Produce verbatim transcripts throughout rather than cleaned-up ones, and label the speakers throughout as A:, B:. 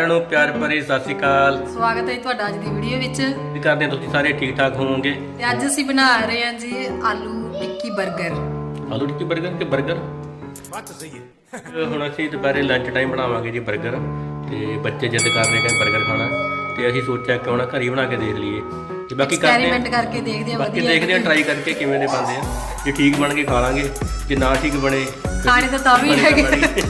A: ਸਾਰਿਆਂ ਨੂੰ ਪਿਆਰ ਭਰੀ ਸਤਿ ਸ਼੍ਰੀ ਅਕਾਲ।
B: ਸਵਾਗਤ ਹੈ ਤੁਹਾਡਾ ਅੱਜ ਦੀ ਵੀਡੀਓ ਵਿੱਚ।
A: ਉਮੀਦ ਕਰਦੇ ਹਾਂ ਤੁਸੀਂ ਸਾਰੇ ਠੀਕ ਠਾਕ ਹੋਵੋਗੇ।
B: ਤੇ ਅੱਜ ਅਸੀਂ ਬਣਾ ਰਹੇ ਹਾਂ ਜੀ ਆਲੂ ਟਿੱਕੀ 버ਗਰ।
A: ਆਲੂ ਟਿੱਕੀ 버ਗਰ ਕਿ 버ਗਰ ਬਾਤ ਸਹੀ ਹੈ। ਹੁਣ ਅਸੀਂ ਦੁਪਹਿਰੇ ਲੰਚ ਟਾਈਮ ਬਣਾਵਾਂਗੇ ਜੀ 버ਗਰ ਤੇ ਬੱਚੇ ਜਿੱਦ ਕਰ ਰਹੇ ਕਿ 버ਗਰ ਖਾਣਾ ਤੇ ਅਸੀਂ ਸੋਚਿਆ ਕਿਉਂ ਨਾ ਘਰ ਹੀ ਬਣਾ ਕੇ ਦੇਖ ਲਈਏ ਤੇ ਬਾਕੀ ਕਰਦੇ ਹਾਂ
B: ਐਕਸਪੈਰੀਮੈਂਟ ਕਰਕੇ ਦੇਖਦੇ ਹਾਂ।
A: ਬਾਕੀ ਦੇਖਦੇ ਹਾਂ ਟਰਾਈ ਕਰਕੇ ਕਿਵੇਂ ਦੇ ਬਣਦੇ ਆ। ਜੇ ਠੀਕ ਬਣ ਕੇ ਖਾ ਲਾਂਗੇ, ਜੇ ਨਾ ਠੀਕ ਬਣੇ
B: ਖਾਣੇ ਤਾਂ ਤਾਂ ਵੀ ਹੈਗੇ,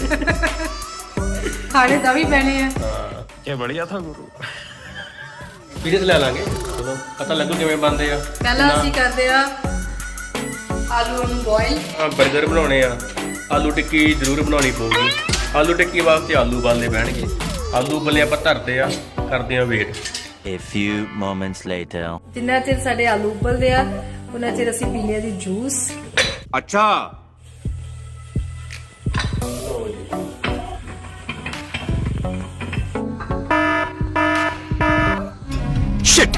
B: ਖਾਣੇ ਤਾਂ ਵੀ ਪੈਣੇ ਆ।
A: ਹਾਂ
C: ਇਹ ਬੜੀਆ ਥਾ ਗੁਰੂ।
A: ਪੀਸ ਲੈ ਲਾਂਗੇ, ਚਲੋ ਪਤਾ ਲੱਗੂ ਕਿਵੇਂ ਬਣਦੇ ਆ।
B: ਪਹਿਲਾਂ ਅਸੀਂ ਕਰਦੇ ਆ ਆਲੂ ਨੂੰ ਬੋਇਲ।
A: ਆ 버ਗਰ ਬਣਾਉਣੇ ਆ, ਆਲੂ ਟਿੱਕੀ ਜ਼ਰੂਰ ਬਣਾਉਣੀ ਪਊਗੀ। ਆਲੂ ਟਿੱਕੀ ਵਾਸਤੇ ਆਲੂ ਉਬਾਲਨੇ ਪੈਣਗੇ। ਆਲੂ ਉਬਲੇ ਆਪਾਂ ਧਰਦੇ ਆ, ਕਰਦੇ ਆ wait.
D: A few moments later.
B: ਜਿੰਨਾ ਚਿਰ ਸਾਡੇ ਆਲੂ ਉਬਲਦੇ ਆ ਉਹਨਾਂ ਚਿਰ ਅਸੀਂ ਪੀਣੇ ਆ ਜੀ ਜੂਸ।
C: ਅੱਛਾ ਸ਼ਿਟ।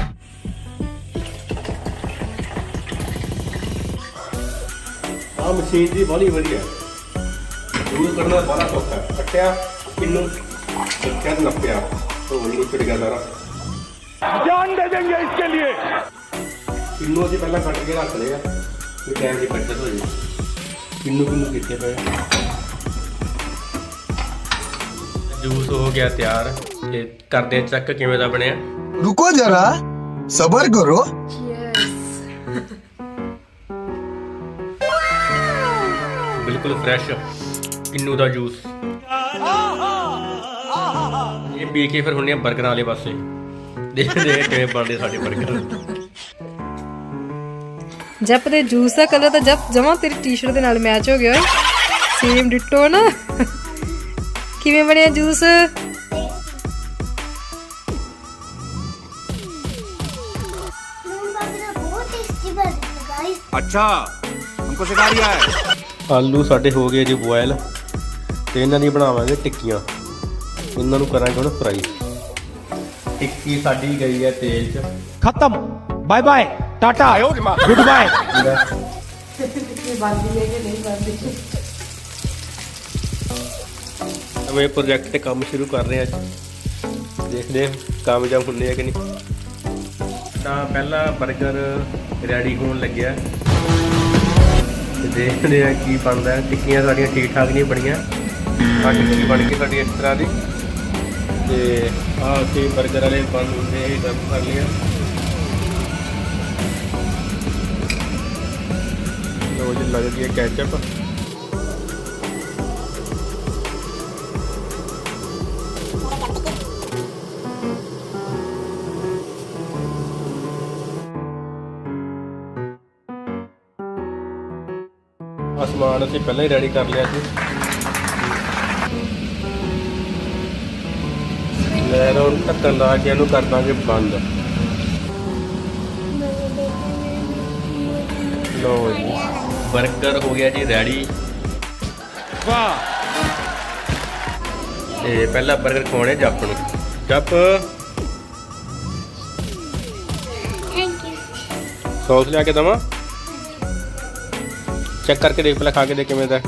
A: ਆ ਮਸ਼ੀਨ ਦੀ ਬਾਲੀ ਵਧੀਆ, ਜੂਸ ਕੱਢਣਾ ਬੜਾ ਸੌਖਾ ਹੈ। ਕੱਟਿਆ ਕਿੰਨੂ ਕੱਟਿਆ ਤੇ ਨੱਪਿਆ तो वही उचड़ गया सारा।
C: जान दे देंगे इसके लिए।
A: किन्नू ਅਸੀਂ ਪਹਿਲਾਂ ਕੱਟ ਕੇ ਰੱਖ ਲਿਆ ਕਿ ਟਾਈਮ ਦੀ ਬੱਚਤ ਹੋ ਜਾਏ। ਕਿੰਨੂ ਕਿੰਨੂ ਕਿੱਥੇ ਪਏ। ਜੂਸ ਹੋ ਗਿਆ ਤਿਆਰ ਤੇ ਕਰਦੇ ਚੈੱਕ ਕਿਵੇਂ ਦਾ ਬਣਿਆ।
E: रुको जरा सबर करो।
A: ਬਿਲਕੁਲ ਫਰੈਸ਼ ਕਿੰਨੂ ਦਾ ਜੂਸ। ਇਹ ਪੀ ਕੇ ਫਿਰ ਹੁੰਨੇ ਆ 버ਗਰਾਂ ਵਾਲੇ ਪਾਸੇ, ਦੇਖਦੇ ਆ ਕਿਵੇਂ ਬਣਦੇ ਸਾਡੇ 버ਗਰ।
B: ਜਪ ਦੇ ਜੂਸ ਦਾ ਕਲਰ ਤਾਂ ਜਪ ਜਮਾ ਤੇਰੀ ਟੀ-ਸ਼ਰਟ ਦੇ ਨਾਲ ਮੈਚ ਹੋ ਗਿਆ ਓਏ, ਸੇਮ ਡਿਟੋ ਨਾ। ਕਿਵੇਂ ਬਣਿਆ ਜੂਸ?
C: अच्छा हमको सिखा रिया है।
A: ਆਲੂ ਸਾਡੇ ਹੋ ਗਏ ਜੀ ਬੋਇਲ ਤੇ ਇਹਨਾਂ ਦੀ ਬਣਾਵਾਂਗੇ ਟਿੱਕੀਆਂ। ਇਹਨਾਂ ਨੂੰ ਕਰਾਂਗੇ ਹੁਣ ਫਰਾਈ। ਟਿੱਕੀ ਸਾਡੀ ਗਈ ਹੈ ਤੇਲ 'ਚ।
C: खत्म bye bye tata goodbye.
B: ਬਣਦੀ ਹੈ ਕਿ ਨਹੀਂ ਬਣਦੀ?
A: ਨਵੇਂ ਪ੍ਰੋਜੈਕਟ ਤੇ ਕੰਮ ਸ਼ੁਰੂ ਕਰ ਰਹੇ ਹਾਂ ਅੱਜ, ਦੇਖਦੇ ਹਾਂ ਕਾਮਯਾਬ ਹੁੰਦੇ ਆ ਕਿ ਨਹੀਂ। ਤਾਂ ਪਹਿਲਾ 버ਗਰ ਰੈਡੀ ਹੋਣ ਲੱਗਿਆ ਤੇ ਦੇਖਦੇ ਆ ਕੀ ਬਣਦਾ। ਟਿੱਕੀਆਂ ਸਾਡੀਆਂ ਠੀਕ ਠਾਕ ਨਹੀਂ ਬਣੀਆਂ। ਆਹ ਟਿੱਕੀ ਬਣ ਕੇ ਸਾਡੀ ਇਸ ਤਰ੍ਹਾਂ ਦੀ ਤੇ ਆਹ ਅਸੀਂ 버ਗਰ ਵਾਲੇ ਬੰਦ ਹੁੰਦੇ ਇਹ ਗਰਮ ਕਰ ਲਿਆ। ਲੋ ਜੀ ਲੱਗ ਗਈ ਕੈਚਅਪ। ਸਮਾਨ ਅਸੀਂ ਪਹਿਲਾਂ ਹੀ ਰੈਡੀ ਕਰ ਲਿਆ ਸੀ। ਲੈ ਲਓ ਢੱਕਣ ਲਾ ਕੇ ਇਹਨੂੰ ਕਰ ਦਾਂਗੇ ਬੰਦ। ਲਓ ਜੀ 버ਗਰ ਹੋ ਗਿਆ ਜੀ ਰੈਡੀ।
C: वाह
A: ਤੇ ਪਹਿਲਾ 버ਗਰ ਖਵਾਉਣੇ ਜੱਪ ਨੂੰ। ਜੱਪ ਸੌਸ ਲਿਆ ਕੇ ਦਵਾਂ? ਚੈੱਕ ਕਰਕੇ ਦੇਖ, ਪਹਿਲਾਂ ਖਾ ਕੇ ਦੇਖ ਕਿਵੇਂ ਦਾ।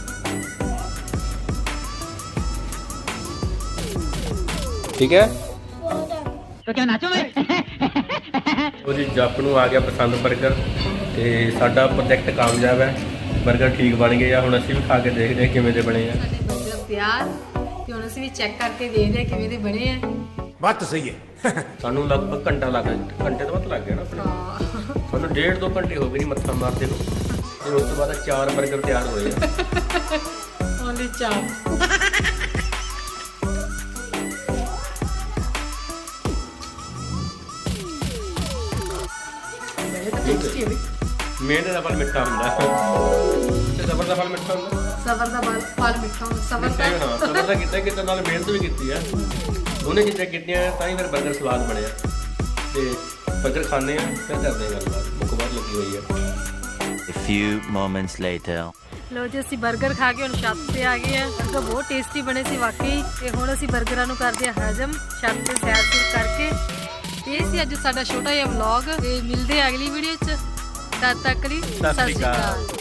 A: ਠੀਕ ਹੈ
F: तो क्या नाचो मैं?
A: ਉਹਦੀ ਜੱਪ ਨੂੰ ਆ ਗਿਆ ਪਸੰਦ 버ਗਰ ਤੇ ਸਾਡਾ ਪ੍ਰੋਜੈਕਟ ਕਾਮਯਾਬ ਹੈ। 버ਗਰ ਠੀਕ ਬਣ ਗਏ ਆ। ਹੁਣ ਅਸੀਂ ਵੀ ਖਾ ਕੇ ਦੇਖਦੇ ਹਾਂ ਕਿਵੇਂ ਦੇ ਬਣੇ ਆ।
B: ਸਾਡੇ 버ਗਰ ਤਿਆਰ ਤੇ ਹੁਣ ਅਸੀਂ ਵੀ ਚੈੱਕ ਕਰਕੇ ਦੇਖਦੇ ਹਾਂ ਕਿਵੇਂ ਦੇ ਬਣੇ ਆ।
C: बात तो सही है।
A: ਸਾਨੂੰ ਲਗਭਗ ਘੰਟਾ ਲੱਗ ਗਿਆ, ਘੰਟੇ ਤੋਂ ਵੱਧ ਲੱਗ ਗਿਆ ਨਾ ਆਪਣੇ। ਸਾਨੂੰ ਡੇਢ ਦੋ ਘੰਟੇ ਹੋ ਗਏ ਨਹੀਂ ਮੱਥਾ ਮਾਰਦੇ ਨੂੰ। ਤੇ ਉਸ ਤੋਂ ਬਾਅਦ ਚਾਰ 버ਗਰ ਤਿਆਰ ਹੋਏ ਆ।
B: ਓਨਲੀ ਚਾਰ। ਟੇਸਟੀ ਹੈ।
A: ਮਿਹਨਤ ਦਾ ਫਲ ਮਿੱਠਾ ਹੁੰਦਾ ਤੇ ਸਬਰ ਦਾ ਫਲ ਮਿੱਠਾ ਹੁੰਦਾ।
B: ਸਬਰ ਦਾ ਫਲ ਫਲ ਮਿੱਠਾ ਹੁੰਦਾ। ਸਬਰ
A: ਮਿੱਠਾ ਹੀ ਹੋਣਾ। ਸਬਰ ਦਾ ਕੀਤਾ ਕਿਤੇ ਨਾਲ ਮਿਹਨਤ ਵੀ ਕੀਤੀ ਆ। ਦੋਨੇ ਚੀਜ਼ਾਂ ਕੀਤੀਆਂ ਤਾਂ ਹੀ ਫਿਰ 버ਗਰ ਸਵਾਦ ਬਣਿਆ। ਤੇ 버ਗਰ ਖਾਣੇ ਆ ਫਿਰ ਕਰਦੇ ਆ ਗੱਲਬਾਤ। ਮੁੱਕ ਬਾਹਰ ਲੱਗੀ ਹੋਈ ਆ।
D: A few moments later.
B: ਲੋ ਜੀ ਅਸੀਂ 버ਗਰ ਖਾ ਕੇ ਹੁਣ ਛੱਤ ਤੇ ਆ ਗਏ ਆ। 버ਗਰ ਬਹੁਤ ਟੇਸਟੀ ਬਣੇ ਸੀ ਵਾਕਈ। ਤੇ ਹੁਣ ਅਸੀਂ 버ਗਰਾਂ ਨੂੰ ਕਰਦੇ ਆ ਹਜਮ ਛੱਤ ਤੇ ਸੈਰ ਸੂਰ ਕਰਕੇ। ਤੇ ਇਹ ਸੀ ਅੱਜ ਸਾਡਾ ਛੋਟਾ ਜਿਹਾ ਵਲੌਗ ਤੇ ਮਿਲਦੇ ਆ ਅਗਲੀ ਵੀਡੀਓ 'ਚ। ਤਦ ਤੱਕ ਲਈ ਸਤਿ ਸ਼੍ਰੀ ਅਕਾਲ।